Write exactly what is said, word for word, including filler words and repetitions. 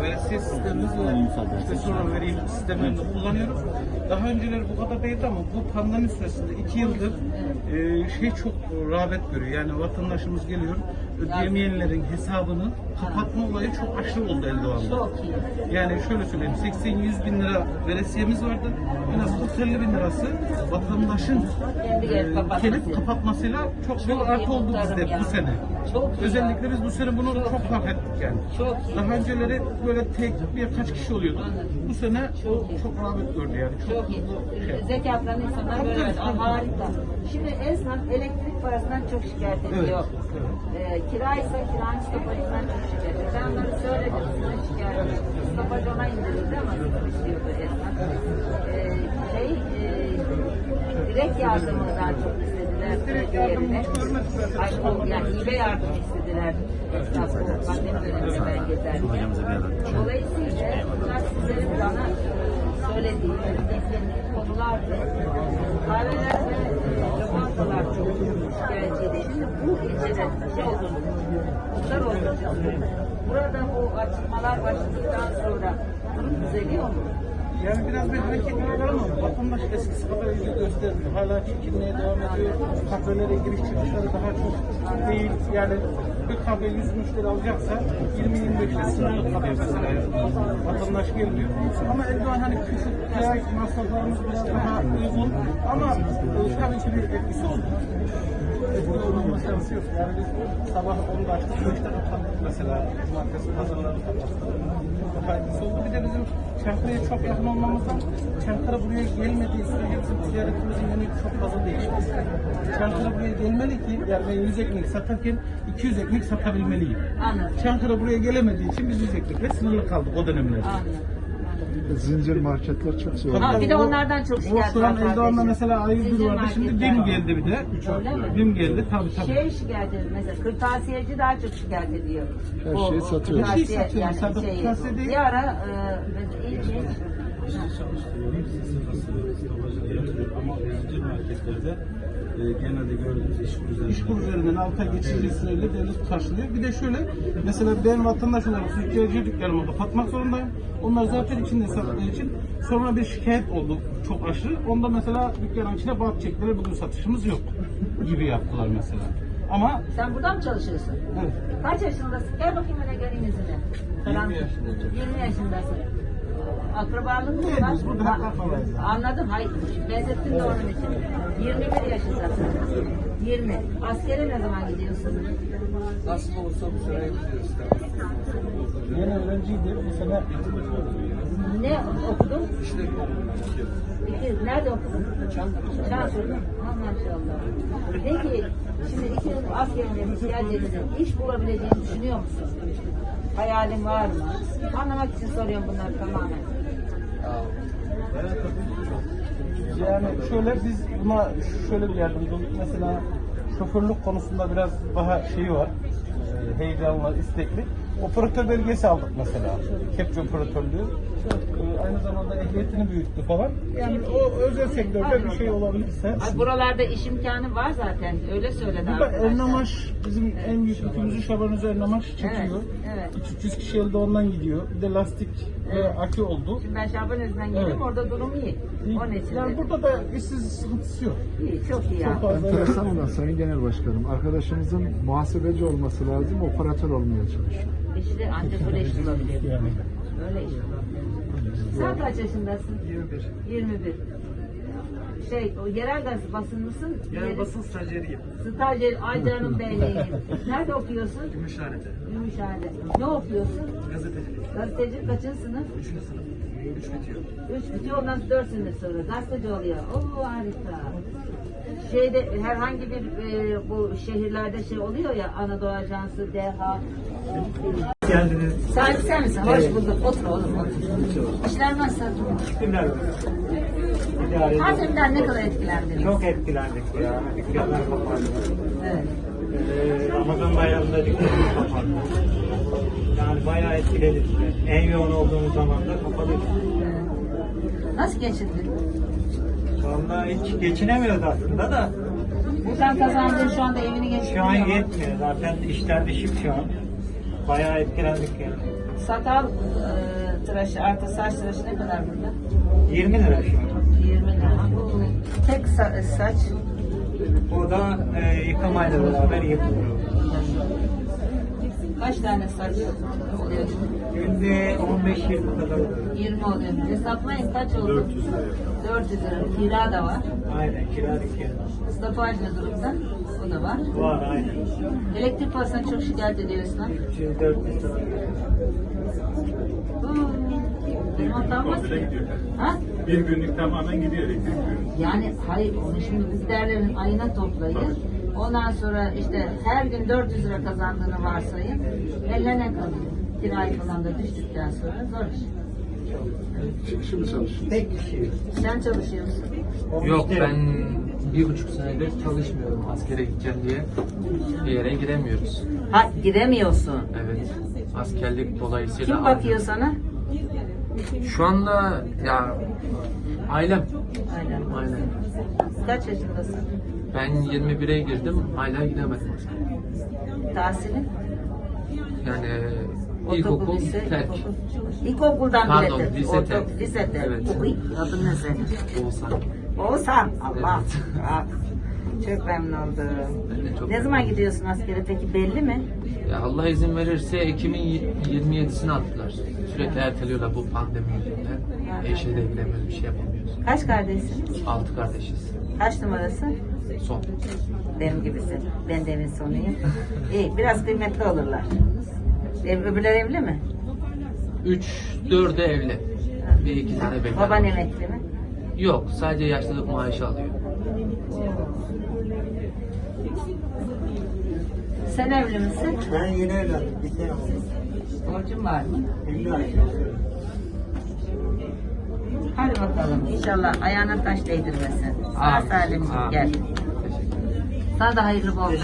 veresiye sistemimiz ve işte sonra vereyim sistemlerini kullanıyoruz. Daha önceleri bu kadar değildi ama bu pandemi süresinde iki yıldır e, şey çok rağbet görüyor. Yani vatandaşımız geliyor, ödeyemeyenlerin hesabını kapatma olayı çok aşırı oldu Eldoğan'da. Çok iyi. Yani şöyle söyleyeyim, seksen yüz bin lira veresiyemiz vardı. En az kırk elli bin lirası vatandaşın e, gelip kapatmasıyla çok büyük artı oldu bizde bu sene. Çok Özellikle biz bu sene bunu çok fark ettik yani. Çok Daha önceleri böyle tek birkaç kişi oluyordu. Bu sene çok, çok rağbet gördü yani. Çok, Çok iyi. Şey. Zekatlarını insanlar Tabii, böyle. tabii. Aa, harika. Şimdi esnaf elektrik parasından çok şikayet ediyor. Ee, kiraysa kiranın stopajından çok şikayet ediyor. Ben onları söyledim. Sizin şikayet ediyorum. Stopaj ona indirildi ama sıkıntı istiyordu esnaf. Ee, şey, e, direkt yardımından çok istediler. Direkt yardımını yerine. hiç görmedik zaten. Ay, o, yani hibe yardım istediler. Esnaf bu pandemi döneminde ben gezerken. Dolayısıyla bunlar sizlerin bana söylediği, beklediği konulardı. Kahveler ve lokantalar çok şikayetçiydi. Şimdi bu ilçede şey oldu, muhtar oldu. Burada bu açılmalar başladıktan sonra durum düzeliyor mu? Yani biraz bir hareketlilik var ama vatandaş eskisi kadar ilgi göstermiyor. Hala çekilmeye devam ediyor. Kahvelere giriş çıkışları daha çok değil. Yani bir kahve yüz müşteri alacaksa yirmi yirmi beşte sınırlı kalıyor mesela. Yani vatandaş gelmiyor. Ama Erdoğan hani küçük kira masraflarımız biraz daha uygun. Ama e, tabii ki bir etkisi oldu. Etkili olmama şansı yok. Yani biz sabah onda açtık, beşte kapandık mesela. Cumartesi pazarları kapattık. Daha etkisi oldu. Bir de bizim Çankırı'ya çok yakın olmamızdan Çankırı buraya gelmediği sürece bizim ticaretimizin yönü çok fazla değişmez. Çankırı buraya gelmeli ki, yani ben yüz ekmek satarken iki yüz ekmek satabilmeliyim. Anladım. Çankırı buraya gelemediği için biz yüz ekmekle sınırlı kaldık o dönemlerde. Anladım. Zincir marketler çok zor. Ha, bir de onlardan çok O şikayet şu an var. Eldoğan'da mesela A yüz bir Zincir vardı, şimdi marketler. BİM geldi bir de. Öyle mi? BİM geldi tabii tabii. Şey şikayet ediyor mesela, kırtasiyeci daha çok şikayet ediyor. Her O- şeyi satıyor. kırtasiye- Her şeyi satıyor. Yani Sadece şeyi. kırtasiye değil. Bir ara e, mesela iyi şey. Ama zincir marketlerde e, genelde gördüğümüz iş kur iş kur üzerinden alta geçici süreyle devlet karşılıyor. Bir de şöyle, mesela ben vatandaş olarak züccaciye dükkanımı kapatmak zorundayım. Onlar zaten içinde sattığı için sonra bir şikayet oldu çok aşırı. Onda mesela dükkanın içine bant çektiler, bugün satışımız yok gibi yaptılar mesela. Ama Sen burada mı çalışıyorsun? evet. Kaç yaşındasın? Gel bakayım öyle gelin yüzüne. yirmi yaşındayım. yirmi yaşındasın. Akrabalığın mı Evet, var? biz burada Ha, akrabayız. Anladım. Hayır. Benzettim de onun için. yirmi bir yaşındasın. yirmi. Askere ne zaman gidiyorsun? Nasıl olursa bu sene gidiyoruz. Yeni öğrenciydi, bu sene Ne okudun? İşte İki, nerede okudun? Çankırı. Çankırı'da. Ha, maşallah. Peki, şimdi iki yıl askerine geldiğinizde iş bulabileceğini düşünüyor musun? Hayalin var mı? Anlamak için soruyorum bunları tamamen. Yani şöyle, biz buna şöyle bir yardımcı olduk. Mesela şoförlük konusunda biraz daha şeyi var. e, Heyecanlı, istekli. Operatör belgesi aldık mesela. Kepçe operatörlüğü. E, Aynı zamanda ehliyetini büyüttü falan. Yani o özel sektörde bir şey olabilirse. Ay, buralarda iş imkanı var zaten. Öyle söyledi Burada arkadaşlar. Ernamaş, bizim en büyük yükümüzü Şabanözü Ernamaş çekiyor. Evet, evet. üç yüz kişi elde ondan gidiyor. Bir de lastik ve akü oldu. Şimdi ben Şabanöz'den geliyorum. Evet. Orada durum iyi. Onun için Yani de burada da işsiz sıkıntısı yok. iyi. Çok iyi ya. Çok fazla. Enteresan olan Sayın Genel Başkanım, arkadaşımızın muhasebeci olması lazım, operatör olmaya çalışıyor. İşte ancak öyle iş bulabiliyor. Yani. Öyle iş bulabiliyor. Sen kaç yaşındasın? yirmi bir. yirmi bir. Şey, o yerel gaz basın mısın? Yani basın stajyeriyim. Stajyer, ay canım benim. Nerede okuyorsun? Gümüşhane'de. Gümüşhane. Ne okuyorsun? Gazetecilik. Gazeteci kaçıncı sınıf? Üçüncü sınıf. Üç bitiyor. Üç bitiyor, ondan sonra dört sene sonra gazeteci oluyor. Oo, harika. Şeyde herhangi bir e, bu şehirlerde şey oluyor ya, Anadolu Ajansı, D H. Geldiniz. Sahibi sen misin? Hoş bulduk. Otur oğlum, otur. İşler nasıl? Günler. İdare Pandemiden ne kadar etkilendiniz? Çok etkilendik ya. Dükkanlar kapandı. Evet. Ee, Ramazan bayramında dükkanımız kapandı. Yani bayağı etkiledi bizi. En yoğun olduğumuz zaman da kapalı. Evet. Nasıl geçindin? Vallahi hiç geçinemiyoruz aslında da. Buradan kazandığın şu anda evini geçindiriyor Şu an mu? yetmiyor. Zaten işler düşük şu an. Bayağı etkilendik yani. Sakal e, tıraşı artı saç tıraşı ne kadar burada? yirmi lira şu an. yirmi lira. Tek sa- saç O da e, yıkamayla beraber yapılıyor. kaç tane saç oluyor? Günde on beş yirmi kadar oluyor. yirmi oluyor. Hesaplayın kaç oldu? dört yüz lira. dört yüz lira. Kira da var. Aynen kira dükkanı. Stopaj ne durumda? O da var. Var aynen. Elektrik parasına çok şikayet ediyorsun lan. üç yüz dört yüz lira. Benim hatam Komple gidiyor. Ha? Bir günlük tamamen gidiyor elektrik günü. Yani hayır onu şimdi biz değerlerin ayına toplayın. Ondan sonra işte her gün dört yüz lira kazandığını varsayın. Eline ne kalıyor? Kirayı falan da düştükten sonra zor iş. Çıkışı mı çalışıyorsun? Tek kişi. Sen çalışıyor musun? O Yok müşteri. ben bir buçuk senedir çalışmıyorum askere gideceğim diye bir yere giremiyoruz. Ha giremiyorsun. Evet askerlik dolayısıyla. Kim bakıyor sana? Şu anda ya ailem. Aynen. Aynen. Kaç yaşındasın? Ben yirmi bire girdim hala gidemedim askere. Tahsilin? Yani Ortaokul, ilkokul lise, terk. ilkokul. İlkokuldan Pardon, bile terk. lise Ortaokul, terk. lise terk. Evet. Uy, adın ne senin? Oğuzhan. Oğuzhan. Allah. Evet. Ah, çok memnun oldum. Ben de çok Ne zaman gidiyorsun askere peki belli mi? Ya Allah izin verirse Ekim'in yirmi yedisini attılar. Sürekli erteliyorlar bu pandemi yüzünden. Eşe de gidemiyoruz, bir şey yapamıyoruz. Kaç kardeşsiniz? Altı kardeşiz. Kaç numarası? Son. Benim gibisin. Ben de evin sonuyum. İyi, biraz kıymetli olurlar. Ev, öbürler evli mi? Üç, dördü evli. Bir iki tane bekar. Baban var. emekli mi? Yok, sadece yaşlılık maaşı alıyor. Sen evli misin? Ben yeni evlendim. Bir sene oldu. Borcun var mı? elli ay. Hadi bakalım. İnşallah ayağına taş değdirmesin. Sağ Amin. salim Amin. gel. Teşekkür ederim. Sana da hayırlı bol.